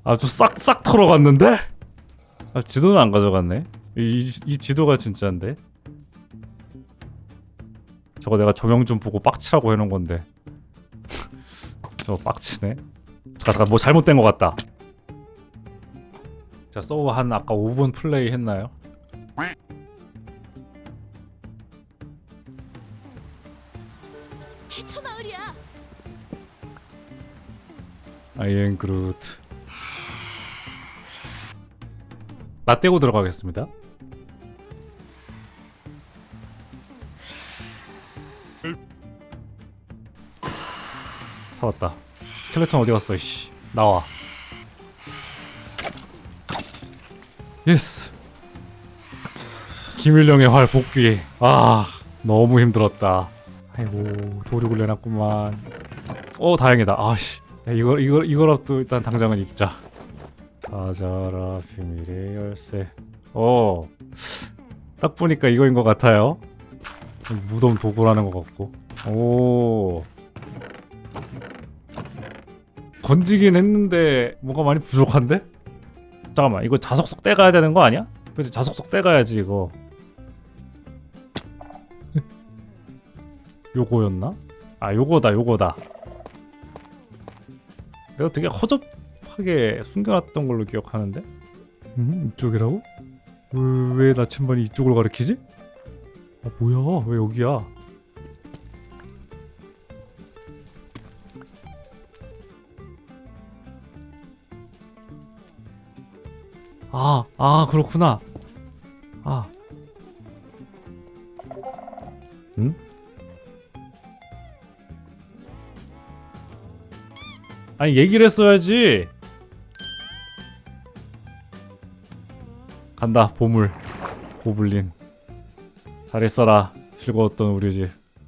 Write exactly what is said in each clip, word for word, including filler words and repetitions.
아주 싹싹 털어갔는데? 아, 지도는 안 가져갔네. 이, 이 지도가 진짜인데? 저거 내가 정형 좀 보고 빡치라고 해놓은 건데. 저거 빡치네. 잠깐 잠깐 뭐 잘못된 것 같다. 자, 서버 한 아까 오 분 플레이 했나요? 저 마을이야. 아이엔 그루트. 나 떼고 들어가겠습니다. 잡았다. 스켈레톤 어디 갔어? 씨, 나와. 예스. 김일령의 활 복귀. 아, 너무 힘들었다. 아이고, 도륙을 내놨구만. 오, 다행이다. 아씨, 이거 이거 이거라도 일단 당장은 입자. 가자라 비밀의 열쇠. 오, 딱 보니까 이거인 것 같아요. 무덤 도구라는 것 같고. 오, 건지긴 했는데 뭔가 많이 부족한데? 잠깐만, 이거 자석속 떼가야 되는 거 아니야? 그치, 자석속 떼가야지 이거. 요거였나? 아, 요거다 요거다. 내가 되게 허접하게 숨겨놨던 걸로 기억하는데? 음? 이쪽이라고? 왜, 왜 나침반이 이쪽을 가리키지? 아, 뭐야, 왜 여기야? 아, 아, 그렇구나. 아. 응? 아니, 얘기를 했어야지. 간다, 보물. 고블린. 잘 있어라. 즐거웠던 우리 집.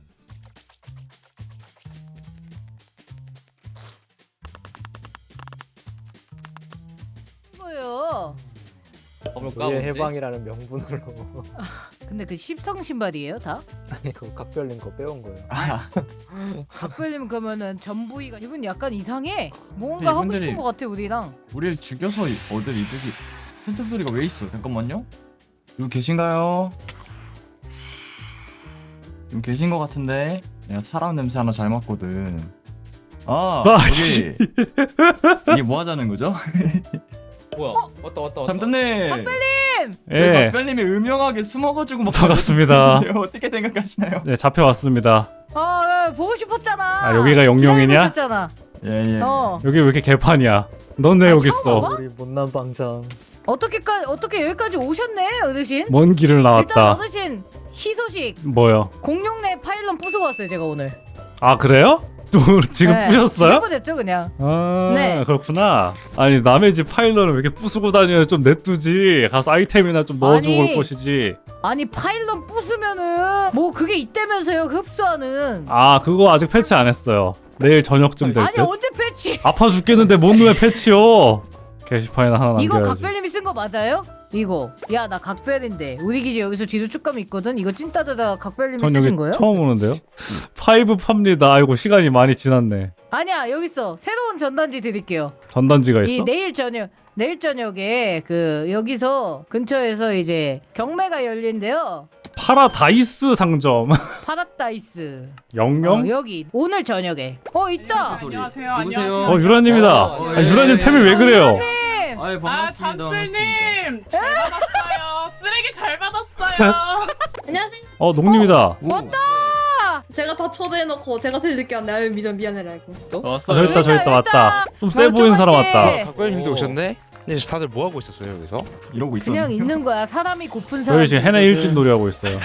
뭐요? 우리의 해방이라는 명분으로. 근데 그 십성 신발이에요 다? 아니 그거 각별님 거 빼온 거예요. 각별님 그러면은 전부이가 이분 약간 이상해. 뭔가 근데 하고 이분들이- 싶은 것 같아 우리랑. 우리를 죽여서 얻을 이득이 팬텀 소리가 왜 있어? 잠깐만요. 여기 계신가요? 여기 계신 것 같은데 내가 사람 냄새 하나 잘 맡거든. 아 아, 여기 이게 뭐 하자는 거죠? 뭐야? 왔다 왔다 왔다. 잠깐님. 각별님! 네, 예, 각별님이 음영하게 숨어가지고 막 반갑습니다. 걸렸는데 어떻게 생각하시나요? 네, 잡혀왔습니다. 아 보고 싶었잖아. 아, 여기가 영영이냐? 기다리고 있었잖아. 예예. 어 여기 왜 이렇게 개판이야? 넌 왜 아, 여기 처음 있어? 와봐? 우리 못난 방장. 어떻게까 어떻게 여기까지 오셨네 어르신? 먼 길을 일단 나왔다. 어르신 희소식 뭐요? 공룡내 파일럿 부수고 왔어요 제가 오늘. 아, 그래요? 또 지금 네, 부셨어요? 죽여버렸죠 그냥. 아, 네. 그렇구나. 아니, 남의 집 파일럿을 왜 이렇게 부수고 다녀요? 좀 냅두지. 가서 아이템이나 좀 넣어주고 아니. 올 것이지. 아니 파일럿 부수면은 뭐 그게 있다면서요 흡수하는. 아, 그거 아직 패치 안 했어요. 내일 저녁쯤 될 아니 듯. 언제 패치? 아파 죽겠는데 뭔 놈의 패치요? 게시판에 하나 이거 남겨야지. 각별님이 쓴 거 맞아요? 이거 야 나 각별인데 우리 기지 여기서 뒤로 쭉 가면 있거든. 이거 찐따드다 각별님이 전 여기 쓰신 거예요? 처음 오는데요? 파이브 팝니다. 아이고, 시간이 많이 지났네. 아니야 여기 있어. 새로운 전단지 드릴게요. 전단지가 이 있어? 내일 저녁 내일 저녁에 그 여기서 근처에서 이제 경매가 열린대요. 파라다이스 상점. 파라다이스. 영영? 어, 여기 오늘 저녁에. 어 있다. 안녕하세요. 누구세요? 안녕하세요. 어, 유라님이다. 어, 아, 예, 유라님 예, 템이 예. 왜 그래요? 님. 아이 아 반갑습니다. 잠들님 잘 받았어요. 쓰레기 잘 받았어요. 안녕하세요. 어, 농님이다. 왔다. 제가 다 초대해놓고 제가 제일 늦게 왔네. 아유 미전 미안해라 이거. 아, 저기 있다, 저기 있다, 왔다. 좀 세 어, 보이는 사람 조금씩. 왔다. 각별님도 오. 오셨네? 네, 다들 뭐 하고 있었어요 여기서? 이러고 있었네. 그냥 있는 거야. 사람이 고픈 사람. 저희 지금 해내 일진 놀이하고 있어요.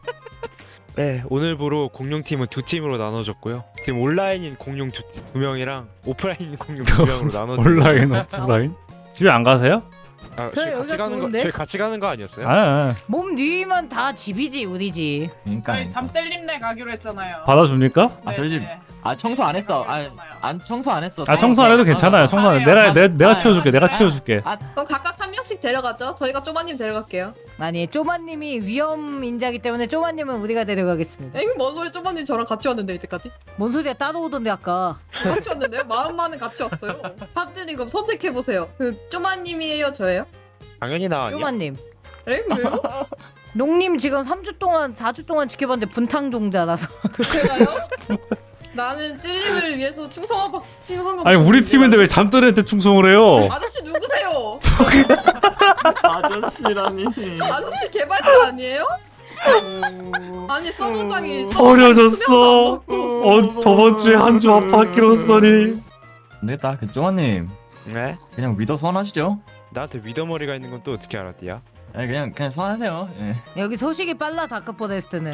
네, 오늘부로 공룡팀은 두 팀으로 나눠졌고요. 지금 온라인인 공룡 두, 두 명이랑 오프라인인 공룡 두 명으로 나눠졌고. 온라인, 오프라인. 집에 안 가세요? 아, 저희 저희 같이 여기가 가는 거, 좋은데? 저희 같이 가는 거 아니었어요? 아, 아. 몸 뒤면 다 집이지 우리 집. 그러니까. 저희 잠들님네 가기로 했잖아요. 받아줍니까? 아, 저희 집- 네네. 아 청소 안 했어. 아, 안 청소 안 했어. 아, 청소 안 해도 괜찮아요. 청소 안 해. 내가 내, 내가 치워줄게. 내가 치워줄게. 그럼 각각 한 명? 명씩 데려가죠. 저희가 쪼마님 데려갈게요. 아니 쪼마님이 위험 인자기 때문에 쪼마님은 우리가 데려가겠습니다. 에이 뭔 소리 쪼마님 저랑 같이 왔는데 이때까지? 뭔 소리야 따라오던데 아까. 같이 왔는데요? 마음만은 같이 왔어요. 팝준이 그럼 선택해보세요. 그 쪼마님이에요 저예요? 당연히 나 아니야. 쪼마님. 에? 왜요? 농님 지금 삼 주 동안 사 주 동안 지켜봤는데 분탕종자라서. 제가요? 나는 찔림을 위해서 충성한 바- 충성한 거 아니 우리 맞는데. 팀인데 왜 잠든 애한테 충성을 해요? 아저씨 누구세요? 아저씨라니. 아저씨 개발자 아니에요? 아니 서버장이 어려졌어. 어 저번 주에 한 주 아팠기로써니. 안 되겠다. 그 쪼마님 네? 그냥 믿어 소환하시죠. 나한테 위더머리가 있는 건 또 어떻게 알았디야? 아니 그냥 그냥 소환하세요. 예. 여기 소식이 빨라 다크포레스트는.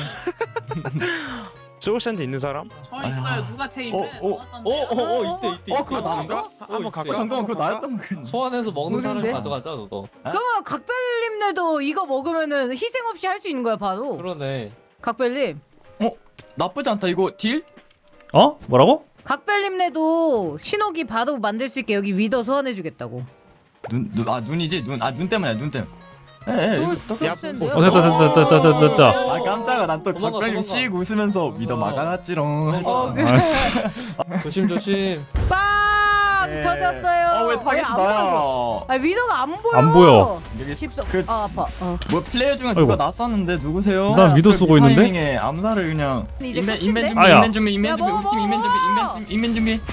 소울샌드 있는 사람? 저 있어요. 누가 제 입에 어, 어, 넣었던데요? 어어어 이때 이때. 어, 그거 나인가? 한번 갈까? 어, 잠깐만 그거 나였던 거. 소환해서 먹는 사람 모르는데? 가져가자 그거. 그러면 각별님네도 이거 먹으면은 희생 없이 할 수 있는 거야 바로. 그러네. 각별님. 나쁘지 않다. 이거 딜? 어? 뭐라고? 각별님네도 신호기 바로 만들 수 있게 여기 위더 소환해주겠다고. 눈, 눈, 아 눈이지 눈. 아 눈 때문에 눈 때문에. 에, 에, 이거 또. 소울샌드요? 어 됐다 됐다 됐다 됐다 됐다. 아 깜짝아. 난 또 도망가, 각별님 도망가. 씩 웃으면서 믿어 막아놨지롱. 어, 아씨. 조심 조심. 빵 에. 터졌어요. 어왜 타겟이 안 나야? 보여. 아 위더가 안 보여. 안 보여. 여기 십석. 그- 아 아파. 어. 뭐 플레이어 중에 아이고. 누가 났었는데 누구세요? 이 사람 믿어 그 쓰고 있는데? 타이밍에 암살을 그냥 이제 인맨 끝인데? 인맨 준비 아야. 인맨 준비 인맨 야, 준비 먹어, 우리 팀 인맨 준비 먹어. 인맨 인맨 준비.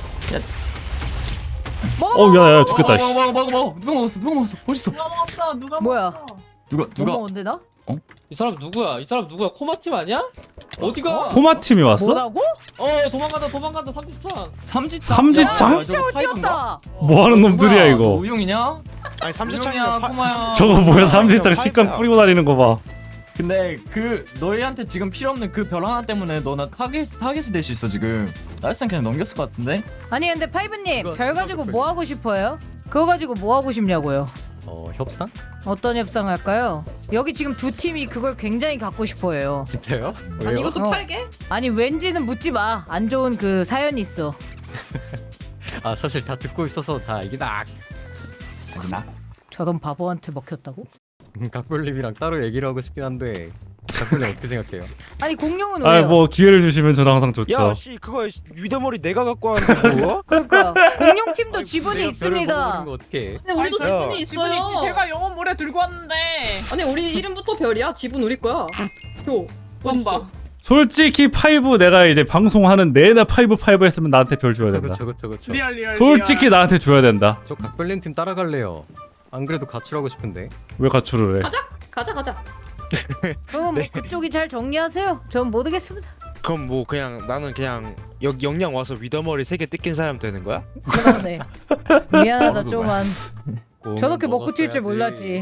먹어. 어 야야 죽겠다. 먹어 씨. 먹어 먹어 먹어. 누가 먹었어? 누가 먹었어? 어딨어? 누가 먹었어? 누가 뭐야? 먹었어? 누가 못 누가? 먹었는데 나? 이 사람 누구야? 이 사람 누구야? 코마팀 아니야? 어디가? 코마 팀이 왔어? 뭐라고? 어 도망간다 도망간다 삼지창. 삼지창? 삼지창? 야, 저거 파이브인가? 뛰었다. 뭐 하는 놈들이야 뭐야, 너 이거? 우용이냐? 아니 우용이야 삼지창이야. 코마야. 저거 뭐야 삼지창 파이브야. 식감 뿌리고 다니는 거 봐. 근데 그 너희한테 지금 필요 없는 그 별 하나 때문에 너나 타겟 타겟이 될 수 있어 지금. 나일산 그냥 넘겼을 것 같은데? 아니 근데 파이브님 이거- 별 이거 가지고 그 뭐 하고 싶어요? 그거 가지고 뭐 하고 싶냐고요? 어 협상? 어떤 협상 할까요? 여기 지금 두 팀이 그걸 굉장히 갖고 싶어해요. 진짜요? 왜요? 아니 이것도 어. 팔게? 아니 왠지는 묻지 마. 안 좋은 그 사연이 있어. 아 사실 다 듣고 있어서 다 이게 나 나? 저런 바보한테 먹혔다고? 각별님이랑 따로 얘기를 하고 싶긴 한데 각별님 어떻게 생각해요? 아니 공룡은 왜요? 아뭐 기회를 주시면 저는 항상 좋죠. 야씨 그거 위더머리 내가 갖고 왔는데 뭐? 그러니까 공룡 팀도 지분이 내가 별을 있습니다. 먹어버린 거 어떡해? 근데 우리도 아니, 저- 지분이 지분 있어요. 있지. 제가 영혼 모래 들고 왔는데. 아니 우리 이름부터 별이야. 지분 우리 거야. 요. 썸바. 솔직히 파이브 내가 이제 방송하는 내내 파이브 파이브 했으면 나한테 별 줘야 그쵸 된다. 그쵸 그쵸 그쵸. 리얼 리얼. 솔직히 리얼. 나한테 줘야 된다. 저 각별님 팀 따라갈래요. 안 그래도 가출하고 싶은데. 왜 가출을 해? 가자. 가자 가자. 그건 뭐 그쪽이 잘 정리하세요. 전 모르겠습니다. 그럼 뭐 그냥 나는 그냥 여기 영양 와서 위더머리 세 개 뜯긴 사람 되는 거야? 그러네. 미안하다 좀만. 꽁은 저렇게 먹고 튈 줄 먹었어야지. 몰랐지.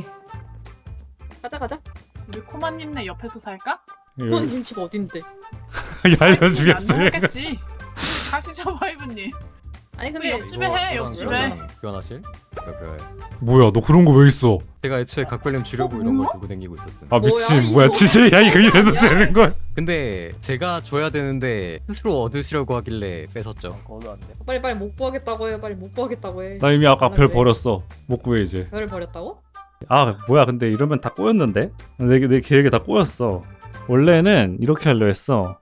가자 가자. 우리 코마님네 옆에서 살까? 너님 집 어딘데? 알려주겠어. 안 먹겠지. 가시죠 파이브님. 아니 왜 근데 옆집에 해? 저랑 옆집에. 저랑 교환하실? 그, 뭐야 너 그런 거 왜 있어? 제가 애초에 각별님 주려고 어, 이런 걸 뭐야? 두고 다니고 있었어요. 아 뭐야, 미친 이거? 뭐야 진짜 야 이거 이래도 아니야? 되는 거야? 근데 제가 줘야 되는데 스스로 얻으시려고 하길래 뺏었죠. 거도 안 돼. 빨리 빨리 못 구하겠다고 해. 빨리 못 구하겠다고 해. 나 이미 아까 별 왜? 버렸어. 못 구해 이제. 별을 버렸다고? 아 뭐야 근데 이러면 다 꼬였는데? 내, 내 계획에 다 꼬였어. 원래는 이렇게 하려 했어.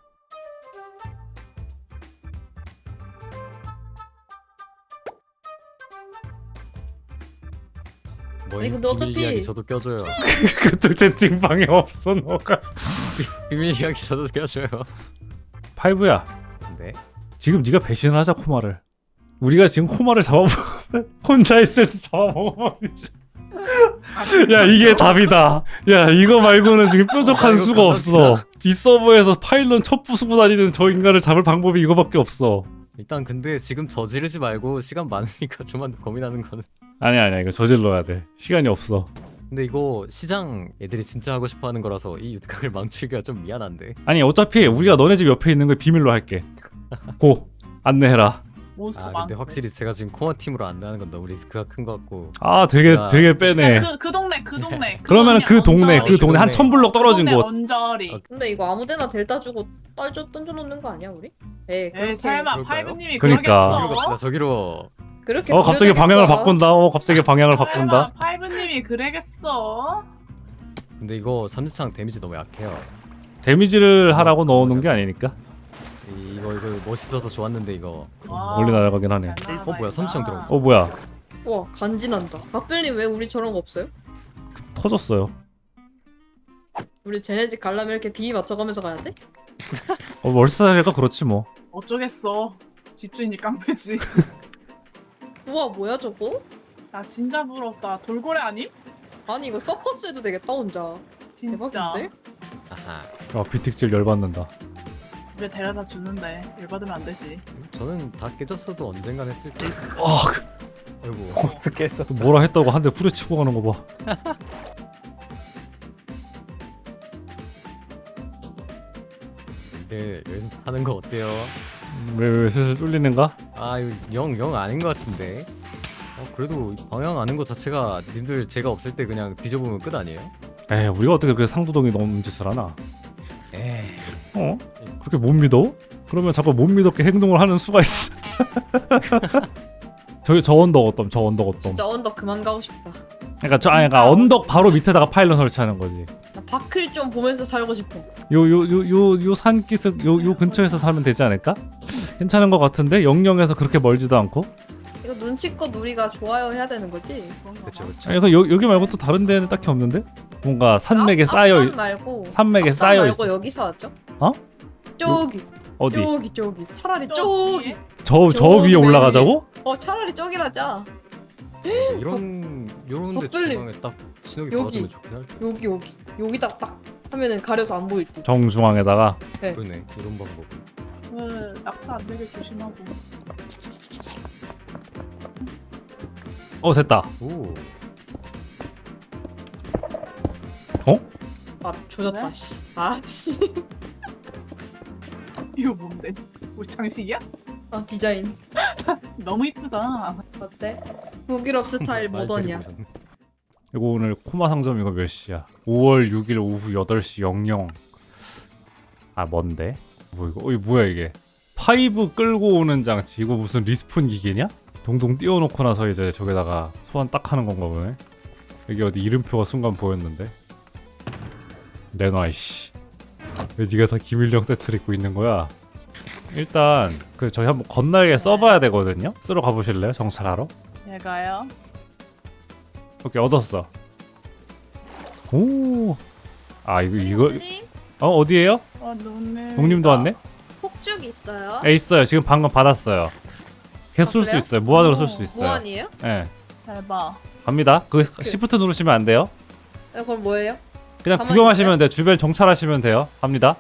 뭐 아니, 근데 어차피- 비밀 이야기 저도 껴줘요. 그쪽 채팅방에 없어 너가. 비밀 이야기 저도 껴줘요. 파이브야 네. 지금 네가 배신을 하자 코마를. 우리가 지금 코마를 잡아먹 혼자 있을 때 잡아먹어버리자. 야 이게 답이다. 야 이거 말고는 지금 뾰족한 아, 이거 수가 없어. 이 서버에서 파일런 첫 부수고 다니는 저 인간을 잡을 방법이 이거밖에 없어. 일단 근데 지금 저지르지 말고 시간 많으니까 좀만 더 고민하는 거는. 아니야 아니야 이거 저질러야 돼. 시간이 없어. 근데 이거 시장 애들이 진짜 하고 싶어하는 거라서 이 유ткак을 망치기가 좀 미안한데. 아니 어차피 우리가 너네 집 옆에 있는 걸 비밀로 할게. 고 안내해라. 몬스터 아 많고. 근데 확실히 제가 지금 코어 팀으로 안내하는 건 너무 리스크가 큰 것 같고. 아 되게 야. 되게 빼네. 그, 그 동네 그 동네. 그러면은 그 동네 그 언저리. 동네 한 천 블럭 떨어진 그 동네 곳. 언저리. 근데 이거 아무데나 델타 주고 떨져 던져놓는 거 아니야 우리? 에이 에이 설마 그럴까요? 파이브님이 그러니까. 저기로 그러겠어? 갑시다. 저기로. 그렇게 어 갑자기 보여주겠어. 방향을 바꾼다. 어 갑자기 방향을 바꾼다. 설마 파이브님이 그래겠어? 근데 이거 삼지창 데미지 너무 약해요. 데미지를 하라고 넣어놓은 게 아니니까. 이- 이거 이거 멋있어서 좋았는데 이거. 와. 멀리 날아가긴 하네. 어 뭐야 삼지창 들어온 거. 어 뭐야? 와 간지난다. 박별님 왜 우리 저런 거 없어요? 터졌어요. 우리 쟤네 집 가려면 이렇게 비위 맞춰가면서 가야 돼? 어 월세가 그렇지 뭐. 어쩌겠어. 집주인이 깡패지. 우와 뭐야 저거? 나 진짜 부럽다. 돌고래 아님? 아니 이거 서커스 해도 되겠다 혼자. 진짜. 대박인데? 아하. 아 비틱질 열받는다. 왜 데려다 주는데 열받으면 안 되지. 저는 다 깨졌어도 언젠간 했을 때. 아 그- 아이고. 어떻게 했어? 또 뭐라 했다고 한 대 후려치고 가는 거 봐. 예, 여기서 하는 거 어때요? 왜왜 왜 슬슬 뚫리는가? 아 이거 영 영 아닌 것 같은데. 어 그래도 이 방향 아는 것 자체가 님들 제가 없을 때 그냥 뒤져보면 끝 아니에요? 에이 우리가 어떻게 그렇게 상도동이 넘는 짓을 하나? 에이. 어? 그렇게 못 믿어? 그러면 자꾸 못 믿었게 행동을 하는 수가 있어. 저기 저 언덕 어떤 저 언덕 어떤. 진짜 언덕 그만 가고 싶다. 그러니까 저 아니 그러니까 언덕 바로 밑에다가 파일럿 설치하는 거지. 나 바클 좀 보면서 살고 싶어. 요 요 요 요 요 산기슭 요 요 근처에서 살면 되지 않을까? 괜찮은 것 같은데 영영에서 그렇게 멀지도 않고. 이거 눈치껏 우리가 좋아요 해야 되는 거지? 그쵸 그쵸. 아니 그 여, 여기 말고 또 다른 데는 딱히 없는데? 뭔가 산맥에 앞- 쌓여 앞산 있- 말고 산맥에 앞산 쌓여 말고 있어. 여기서 하죠? 어? 저기 어디? 저기 저기 차라리 저기? 저기 저 저 저기 위에 맨 올라가자고? 어 차라리 저기라자. 이런 요런데 덧들림. 중앙에 딱 신호기 여기. 박아두면 좋긴 할 듯. 여기 여기 여기다 딱 하면은 가려서 안 보일 듯. 정중앙에다가. 그러네 이런 방법. 네, 낙서 안 되게 조심하고. 어 됐다. 오. 아 조졌다 왜? 씨. 아씨. 이거 뭔데? 우리 장식이야? 아 디자인 너무 이쁘다. 어때? 북유럽 스타일 말 모던이야. 데리고 오셨네. 이거 오늘 코마 상점 이거 몇 시야? 오월 육일 오후 여덟 시 영영. 아 뭔데? 뭐 이거? 어 이거 뭐야 이게? 파이브 끌고 오는 장치. 이거 무슨 리스폰 기계냐? 동동 띄워놓고 나서 이제 저기다가 소환 딱 하는 건가 보네. 여기 어디 이름표가 순간 보였는데. 내놔 이씨. 왜 네가 다 기밀령 세트를 입고 있는 거야? 일단 그 저희 한번 건날개 써봐야 되거든요. 쓰러 가보실래요? 정찰하러? 얘가요? 오케이 얻었어. 오. 아 이거 이거 님 어 어디에요? 어, 눈을. 농님도 왔네? 폭죽 있어요? 에 있어요. 지금 방금 받았어요. 계속 아, 쏠 수 그래요? 있어요. 무한으로 쏠 오, 수 있어요. 무한이에요? 예. 대박. 갑니다. 그 시프트 누르시면 안 돼요. 네, 그럼 뭐예요? 그냥 가만히 구경하시면 돼요. 주변 정찰하시면 돼요. 갑니다.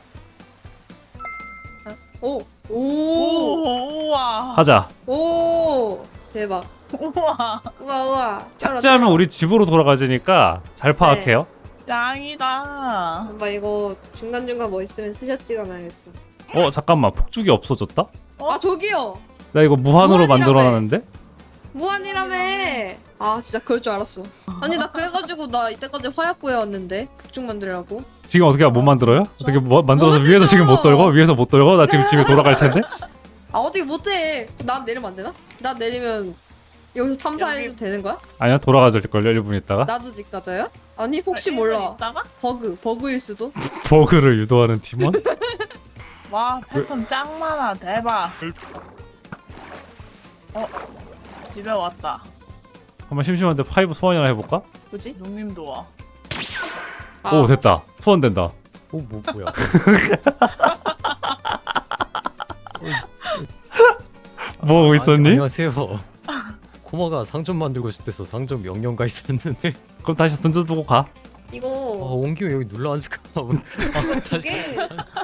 오! 오! 오, 우와. 하자. 오! 대박. 우와. 우와 우와. 삭제하면 우리 집으로 돌아가지니까 잘 파악해요. 짱이다. 엄마 이거 중간중간 뭐 있으면 스샷 찍어놔야겠어. 어 잠깐만 폭죽이 없어졌다? 어? 아 저기요! 나 이거 무한으로 무한이라며. 만들어놨는데? 무한이라며! 아 진짜 그럴 줄 알았어. 아니 나 그래가지고 나 이때까지 화약 구해왔는데 폭죽 만들려고. 지금 어떻게 못 만들어요? 어떻게 뭐, 만들어서 못 위에서 지금 못 만들죠. 떨고? 위에서 못 떨고? 나 지금 집에 돌아갈 텐데? 아 어떻게 못해? 난 내리면 안 되나? 난 내리면 여기서 탐사해도 여기- 되는 거야? 아니요 돌아가질걸요 일 분 있다가. 나도 집 가져요? 아니 혹시 아, 일본 몰라. 있다가? 버그 버그일 수도. 버그를 유도하는 팀원? 와, 패턴 짱 많아. 대박. 어, 집에 왔다. 한번 심심한데 파이브 소환이나 해볼까? 뭐지? 농님도 와. 아, 오 됐다. 소환된다. 오뭐 뭐야? 뭐 하고 있었니? 안녕하세요. 코마가 상점 만들고 싶대서 상점 영영 가 있었는데. 그럼 다시 던져두고 가. 아 이거 온 김에 여기 눌러 앉을까? 이거 기계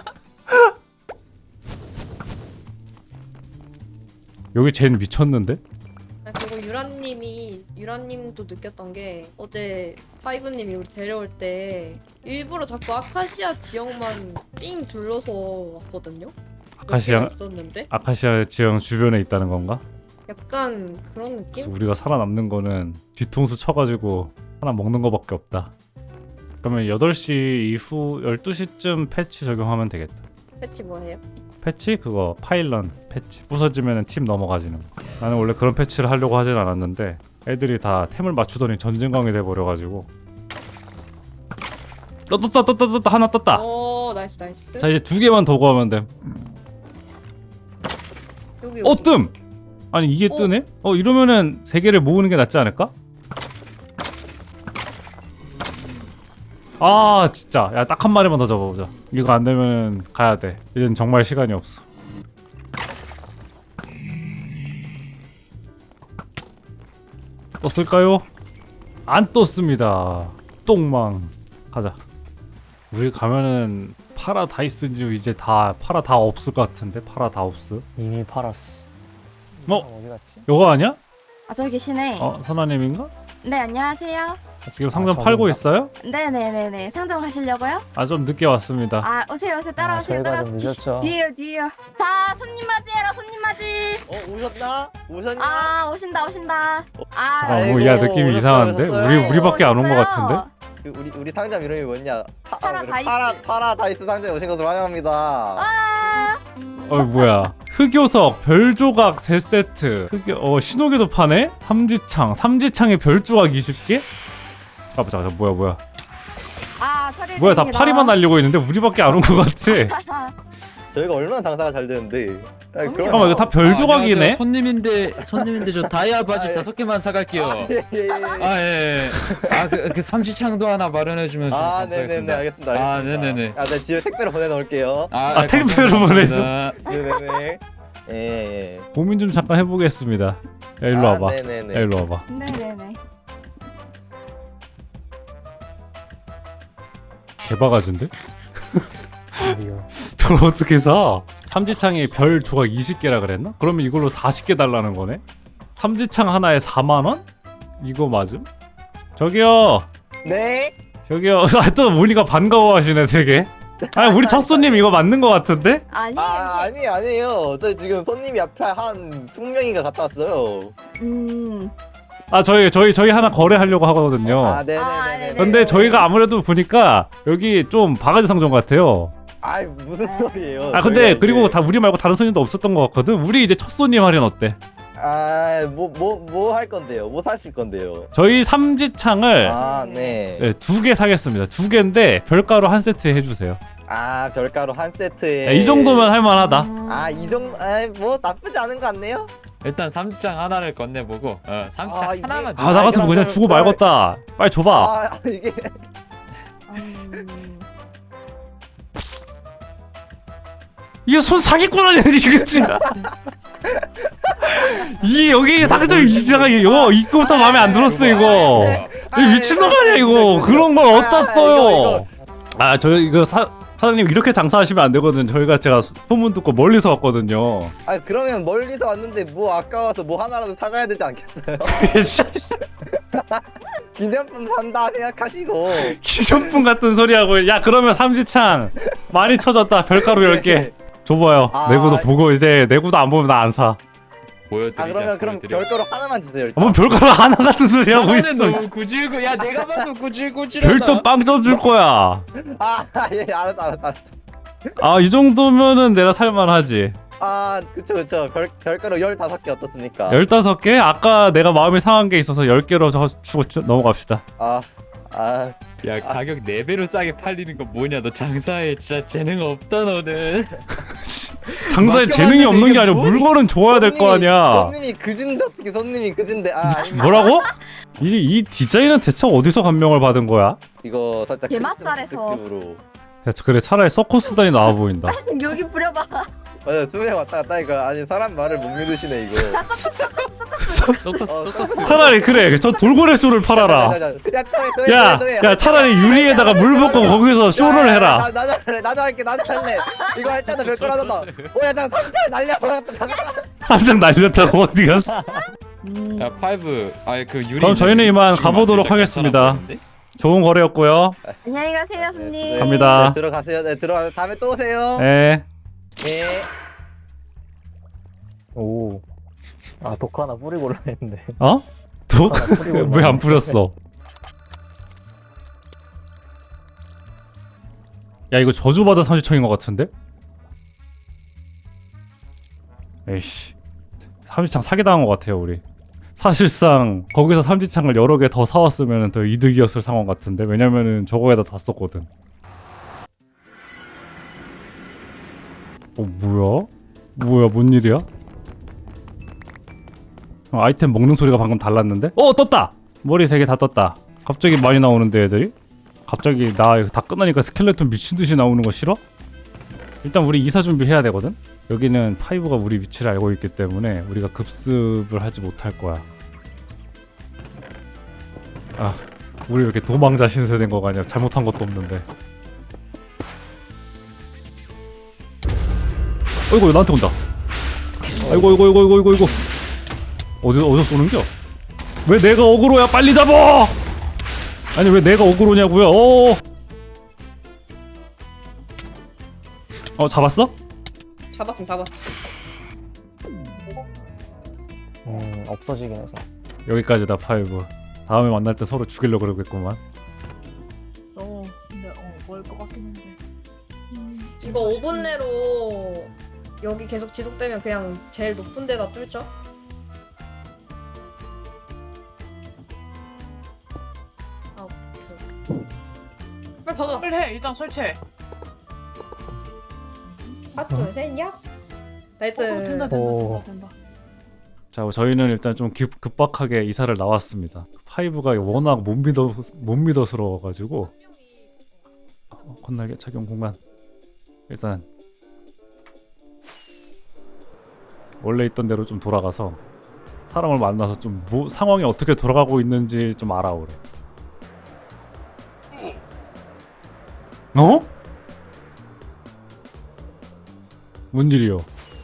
여기 쟨 미쳤는데? 아, 그리고 유라님이 유라님도 느꼈던 게 어제 파이브님이 우리 데려올 때 일부러 자꾸 아카시아 지역만 삥 둘러서 왔거든요. 몇 아카시아 개가 있었는데 아카시아 지형 주변에 있다는 건가? 약간 그런 그래서 느낌? 우리가 살아남는 거는 뒤통수 쳐가지고 하나 먹는 거밖에 없다. 그러면 여덟 시 이후 열두 시쯤 패치 적용하면 되겠다. 패치 뭐예요? 패치? 그거 파일런 패치. 부서지면 팀 넘어가지는 거. 나는 원래 그런 패치를 하려고 하진 않았는데 애들이 다 템을 맞추더니 전쟁광이 돼버려가지고. 떴, 떴다 떴다 떴다 하나 떴다. 오 나이스 나이스. 자 이제 두 개만 더 구하면 됨. 여기 어 여기. 뜸! 아니 이게 어? 뜨네? 어 이러면은 세 개를 모으는 게 낫지 않을까? 아 진짜 야 딱 한 마리만 더 잡아보자. 이거 안 되면 가야 돼. 이젠 정말 시간이 없어. 떴을까요? 안 떴습니다. 똥망. 가자. 우리 가면은 파라다이스인지 이제 다 파라 다 없을 것 같은데. 파라다옵스. 이미 팔았어. 어? 어디 갔지? 요거 아니야? 아 저기 계시네. 어 선아님인가? 네 안녕하세요. 지금 상점 아, 팔고 저건가? 있어요? 네네네네 상점 가시려고요? 아 좀 늦게 왔습니다. 아 오세요 오세요 따라오세요 아, 저희가 따라오세요. 좀 늦었죠. 뒤- 뒤에요 뒤에요. 자 손님 맞이해라 손님 맞이. 어 오셨나? 오셨냐? 아 오신다 오신다. 아 잠깐 뭐야 아이고, 느낌이 오셨어요, 이상한데? 오셨어요. 우리 우리밖에 안 온 것 오셨어요. 같은데? 그 우리 우리 상점 이름이 뭐냐? 파, 파라다이스. 파라 파라다이스 상점에 오신 것으로 환영합니다. 아 어 뭐야? 흑요석 별조각 세 세트. 흑요 어 신호기도 파네? 삼지창 삼지창에 별조각 이십 개? 잠깐만 잠깐만 뭐야 뭐야? 아 처리. 뭐야 다 파리만 날리고 있는데 우리밖에 안 온 것 같아. 저희가 얼마나 장사가 잘 되는데. 아, 잠깐만 이거 다 별조각이네? 손님인데 손님인데 저 다이아 바지 아, 예. 다섯 개만 사갈게요. 아, 예, 예, 예. 아 예. 아그 그 삼지창도 하나 마련해주면 좀 아, 네네네 감사하겠습니다. 알겠습니다. 알겠습니다. 아 네네네. 아, 네 집에 택배로 보내놓을게요. 아, 아, 택배로 보내줘? 네네네. 예, 예. 고민 좀 잠깐 해보겠습니다. 야 일로 아, 와봐. 네네네. 야 일로 와봐. 네네네. 개바가지인데? 리얼. 저걸 어떻게 사? 삼지창에 별 조각 이십 개라 그랬나? 그러면 이걸로 사십 개 달라는 거네? 삼지창 하나에 사만 원? 이거 맞음? 저기요! 네. 저기요. 아, 또 모니가 반가워하시네 되게. 아 우리 첫 손님 이거 맞는 거 같은데? 아니. 아 아니 아니에요. 저희 지금 손님이 앞에 한 이십 명인가 갔다 왔어요. 음. 아 저희 저희 저희 하나 거래하려고 하거든요. 아 아, 네네네. 네네. 근데 저희가 아무래도 보니까 여기 좀 바가지 상점 같아요. 아이 무슨 소리예요? 아 근데 저희가 그리고 이제- 다 우리 말고 다른 손님도 없었던 것 같거든. 우리 이제 첫 손님 할인 어때? 아, 뭐 뭐 뭐 할 건데요? 뭐 사실 건데요? 저희 삼지창을 아, 네. 네, 두 개 사겠습니다. 두 개인데 별가루 한 세트 해주세요. 아, 별가루 한 세트에 야, 이 정도면 할만하다. 음. 아, 이 정도 아, 뭐 나쁘지 않은 것 같네요. 일단 삼지창 하나를 건네보고 어, 삼지창 아, 이게- 하나만. 아 나 같으면 그냥 주고 말겠다. 빨리 줘봐. 아, 이게 음. 이게 손 사기꾼 아니야 지금? 이 여기 당장 이상하게 이거 입구부터 마음에 안 들었어 이거. 이 미친놈 아니야 이거. 그런 걸 어디다 써요? 아 저 이거 사 사장님 이렇게 장사하시면 안 되거든. 저희가 제가 소문 듣고 멀리서 왔거든요. 아, 그러면 멀리서 왔는데 뭐 아까워서 뭐 하나라도 사가야 되지 않겠어요? 기념품 산다 생각하시고. 기존품 같은 소리 하고. 야 그러면 삼지창 많이 쳐졌다. 별가루 열 개 줘봐요. 아. 내구도 보고 이제 내구도 안 보면 나 안 사. 보여드리자. 아, 그러면 그럼 보여드려. 별가루 하나만 주세요. 일단. 뭐 별가루 하나 같은 소리 하고 있어. 나는 너무 구질구. 야 내가 봐도 구질구질하다. 별점 빵점 줄 거야. 아, 예, 알았다, 알았다. 알았다. 아 이 정도면은 내가 살만하지. 아, 그쵸, 그쵸. 별, 별가루 열다섯 개 어떻습니까? 열다섯 개? 아까 내가 마음이 상한 게 있어서 열 개로 저 주고 치- 넘어갑시다. 아, 아, 야 가격 네 배로 싸게 팔리는 거 뭐냐? 너 장사에 진짜 재능 없다 너는. 장사에 재능이 없는 게 아니라 물건은 좋아야 될 거 손님이- 아니야. 손님이 그진데 어떻게 손님이 그진데 아, 아닙니다. 뭐라고? 이, 이 디자인은 대체 어디서 감명을 받은 거야? 이거 살짝 게맛살에서. 크리스마스 특집으로. 야, 그래 차라리 서커스단이 나와 보인다. 여기 뿌려봐. 맞아, 수명 왔다 갔다 이거 아니 사람 말을 못 믿으시네 이거. 썩었어. 차라리 그래 저 돌고래 쇼를 팔아라. 야, 야 차라리 유리에다가 물 붓고 거기서 쇼를 해라. 나, 나도 할래, 나도 할게, 나도 할래. 이거 할 때도 별걸 하던다. 오야, 잠깐 삼촌 날려. 삼장 날렸다고 어디 갔어? 음. 야 파이브. 아예 그 유리. 그럼 저희는 이만 가보도록 하겠습니다. 좋은 거래였고요. 안녕히 가세요 손님. 갑니다. 네, 들어가세요. 네, 들어가. 다음에 또 오세요. 네. 네. 오. 아 독 하나 뿌리고 올라 했는데. 어? 독? 하나 뿌리고 왜 안 올라왔는데. 뿌렸어? 야 이거 저주받은 삼지청인 것 같은데? 에이씨, 삼지창 사기당한 것 같아요 우리. 사실상 거기서 삼지창을 여러 개 더 사왔으면 더 이득이었을 상황 같은데, 왜냐면은 저거에다 다 썼거든. 어 뭐야? 뭐야, 뭔 일이야? 어, 아이템 먹는 소리가 방금 달랐는데? 어, 떴다! 머리 세 개 다 떴다. 갑자기 많이 나오는데 애들이? 갑자기 나 이거 다 끝나니까 스켈레톤 미친듯이 나오는 거 싫어? 일단 우리 이사 준비해야 되거든? 여기는 파이브가 우리 위치를 알고 있기 때문에 우리가 급습을 하지 못할 거야. 아, 우리 왜 이렇게 도망자 신세된 거가 아니야. 잘못한 것도 없는데. 어이구, 나한테 온다. 아이고, 아이고, 아이고, 아이고, 아이고, 아이고. 어디, 어디서 쏘는겨? 왜 내가 어그로야? 빨리 잡아! 아니, 왜 내가 어그로냐고요? 어. 어, 잡았어? 잡았음 잡았어. 음 없어지긴 해서. 여기까지다, 파이브. 다음에 만날 때 서로 죽이려고 그러겠구만. 어, 근데 어, 뭐일 것 같긴 한데. 음, 이거 오 분 내로 여기 계속 지속되면 그냥 제일 높은 데다 뚫죠? 아, 오케이. 빨리 박아. 빨리 해. 일단 설치해. 하나, 둘, 셋, 야. 나이스. 어, 된다, 된다, 오. 된다, 된다. 자, 저희는 일단 좀 급, 급박하게 이사를 나왔습니다. 파이브가 워낙 못 믿어 못 믿어스러워가지고. 어, 건날개 착용 공간. 일단 원래 있던 대로 좀 돌아가서 사람을 만나서 좀 뭐, 상황이 어떻게 돌아가고 있는지 좀 알아오래. 어? 뭔 일이요?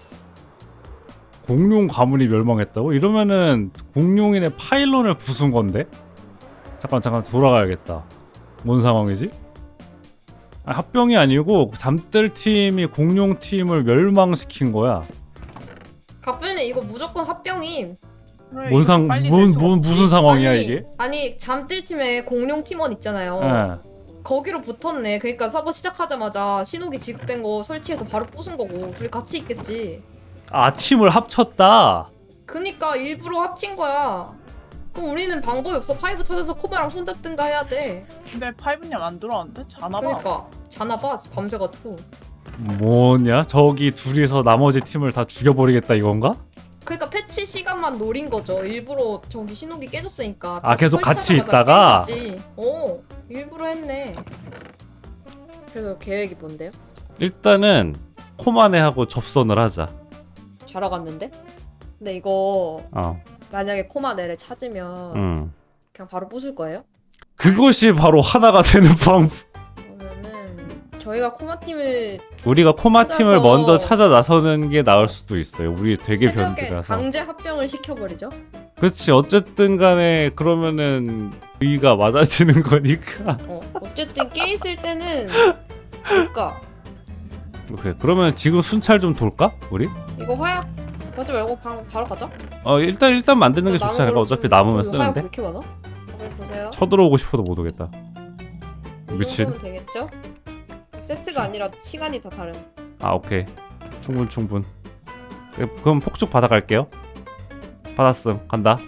공룡 가문이 멸망했다고? 이러면은 공룡인의 파일론을 부순 건데? 잠깐 잠깐 돌아가야겠다. 뭔 상황이지? 아, 합병이 아니고 잠들 팀이 공룡 팀을 멸망시킨 거야. 갑분이 이거 무조건 합병임. 그래, 뭔 이거 상, 빨리 뭔, 낼 수가 뭔 없지. 무슨 상황이야 아니, 이게? 아니 잠들 팀에 공룡 팀원 있잖아요. 예. 거기로 붙었네. 그러니까 서버 시작하자마자 신호기 지급된 거 설치해서 바로 부순 거고 둘이 같이 있겠지. 아, 팀을 합쳤다. 그니까 일부러 합친 거야. 그럼 우리는 방법이 없어. 파이브 찾아서 코바랑 손잡든가 해야 돼. 근데 파이브님 안 들어왔는데? 자나봐. 그러니까 자나봐 밤새가지고. 뭐냐? 저기 둘이서 나머지 팀을 다 죽여버리겠다 이건가? 그러니까 패치 시간만 노린 거죠. 일부러 저기 신호기 깨졌으니까. 아, 계속 같이 설치하자마자 있다가? 깬 거지. 어, 일부러 했네. 그래서 계획이 뭔데요? 일단은 코마네하고 접선을 하자. 자러 갔는데? 근데 이거 어. 만약에 코마네를 찾으면 음. 그냥 바로 부술 거예요? 그것이 바로 하나가 되는 방법. 그러면은 저희가 코마 팀을 우리가 코마 팀을 찾아서 먼저 찾아 나서는 게 나을 수도 있어요. 우리 되게 새벽에 변두라서. 강제 합병을 시켜버리죠. 그렇지. 어쨌든 간에 그러면은 의가 맞아지는 거니까. 어, 어쨌든 깨 있을 때는 볼까. 오케이. 그러면 지금 순찰 좀 돌까? 우리? 이거 화약 하지 말고 바, 바로 가자. 어, 일단 일단 만드는 게 좋지 않을까? 어차피 남으면 화약 왜 쓰는데. 이렇게 많아? 다들 보세요. 쳐들어오고 싶어도 못 오겠다. 이 미친. 정도면 되겠죠? 세트가 아니라 시간이 다 다른. 아, 오케이. 충분 충분. 네, 그럼 폭죽 받아갈게요. 받았음. 간다.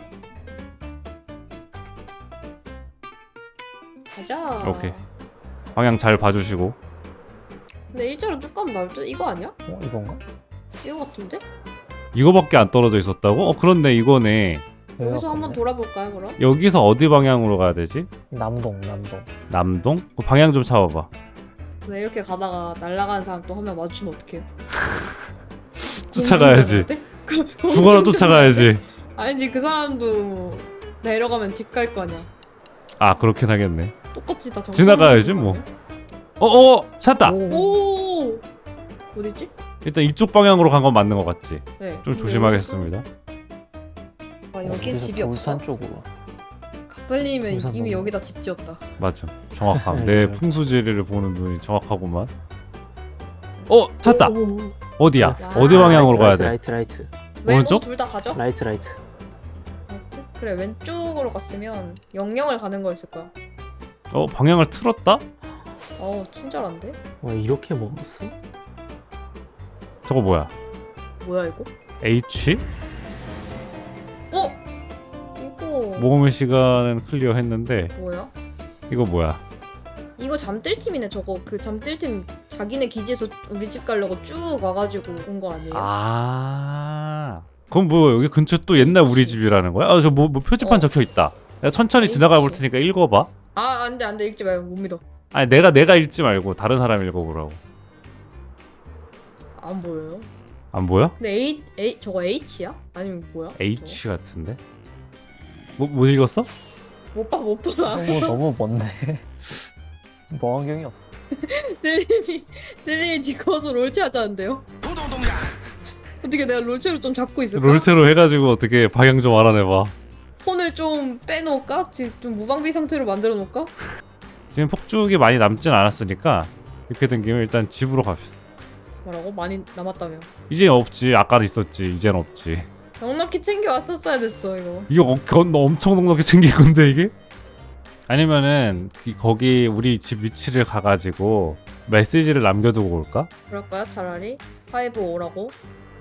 가자. 오케이. 방향 잘 봐주시고. 근데 일자로 쭉 가면 나올 듯? 이거 아니야? 어 이건가? 이거 같은데? 이거밖에 안 떨어져 있었다고? 어, 그렇네. 이거네. 여기서 한번 돌아볼까요 그럼? 여기서 어디 방향으로 가야 되지? 남동 남동. 남동? 그 방향 좀 잡아봐. 근데 이렇게 가다가 날아가는 사람 또 한 명 마주치면 어떡해요? 쫓아가야지. 그- 죽어라 쫓아가야지. 아니지 그 사람도 내려가면 집 갈 거 아니야. 아, 그렇긴 하겠네. 똑같이 다 정상. 지나가야지, 뭐. 어어! 찾다! 오. 어디지? 일단 이쪽 방향으로 간 건 맞는 것 같지? 네. 좀 조심하겠습니다. 아 여긴 어디서 집이 없어. 울산 쪽으로. 갑벌님은 울산 이미 넘어. 여기다 집 지었다. 맞아. 정확함. 내 풍수지리를 보는 눈이 정확하구만. 어! 찾다! 오. 어디야? 와. 어디 방향으로 가야 돼? 라이트 라이트 오른쪽? 둘 다 가죠? 라이트 라이트. 라이트? 그래 왼쪽으로 갔으면 영영을 가는 거였을 거야. 어? 방향을 틀었다? 어우 친절한데? 와 이렇게 먹었어? 저거 뭐야? 뭐야 이거? H? 어? 이거 모험의 시간은 클리어했는데 뭐야? 이거 뭐야? 이거 잠들 팀이네 저거. 그 잠들 팀 자기네 기지에서 우리 집 가려고 쭉 와가지고 온 거 아니에요? 아. 그럼 뭐 여기 근처 또 옛날 우리 집이라는 거야? 아 저 뭐 뭐 표지판 어. 적혀 있다. 내가 천천히 H. 지나가 볼 테니까 읽어봐. 아 안돼 안돼 읽지 말고 못 믿어. 아니 내가 내가 읽지 말고 다른 사람 읽어보라고. 안 보여요. 안 보여? 근데 A A 저거 H야? 아니면 뭐야? H 같은데? 뭐, 못 읽었어? 못봐못 봐. 너무 너무 먼데. 보안경이 없어. 들림이 들림이 뒤집어서 롤체 하자는데요? 어떻게 내가 롤체로 좀 잡고 있을까? 롤체로 해가지고 어떻게 방향 좀 알아내봐. 폰을 좀 빼놓을까? 지금 좀 무방비 상태로 만들어 놓을까? 지금 폭죽이 많이 남진 않았으니까 이렇게 된 김에 일단 집으로 갑시다. 뭐라고? 많이 남았다며. 이제 없지. 아까는 있었지. 이젠 없지. 넉넉히 챙겨 왔었어야 됐어 이거. 이거 어, 건 엄청 넉넉히 챙길 건데 이게? 아니면은 그- 거기 우리 집 위치를 가가지고 메시지를 남겨두고 올까? 그럴까요? 차라리 파이브 오라고.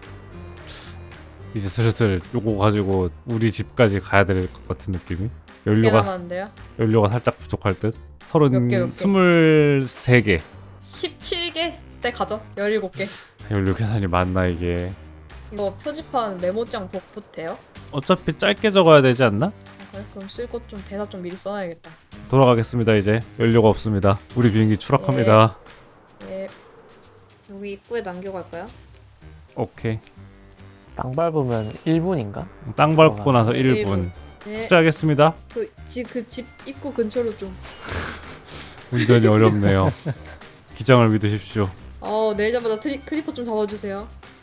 이제 슬슬 요거 가지고 우리 집까지 가야 될 것 같은 느낌이? 몇 개 연료가 남았는데요? 연료가 살짝 부족할 듯. 몇 개, 몇 서른 개? 스물세 개. 십칠 개 때 가져. 열일곱 개. 연료 계산이 맞나 이게? 이거 표지판 메모장 복붙 돼요? 어차피 짧게 적어야 되지 않나? 아, 그래? 그럼 쓸 것 좀 대사 좀 미리 써놔야겠다. 돌아가겠습니다. 이제 연료가 없습니다. 우리 비행기 추락합니다. 예. 여기 입구에 남겨갈까요? 오케이. 땅 밟으면 일 분인가? 땅 밟고 나서 네, 일 분. 네. 투자하겠습니다. 그 집 그 집 입구 근처로 좀. 운전이 어렵네요. 기장을 믿으십시오. 어 내리자마자 트리, 크리퍼 좀 잡아주세요.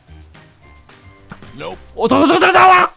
어, 저거 저거 저거 저거!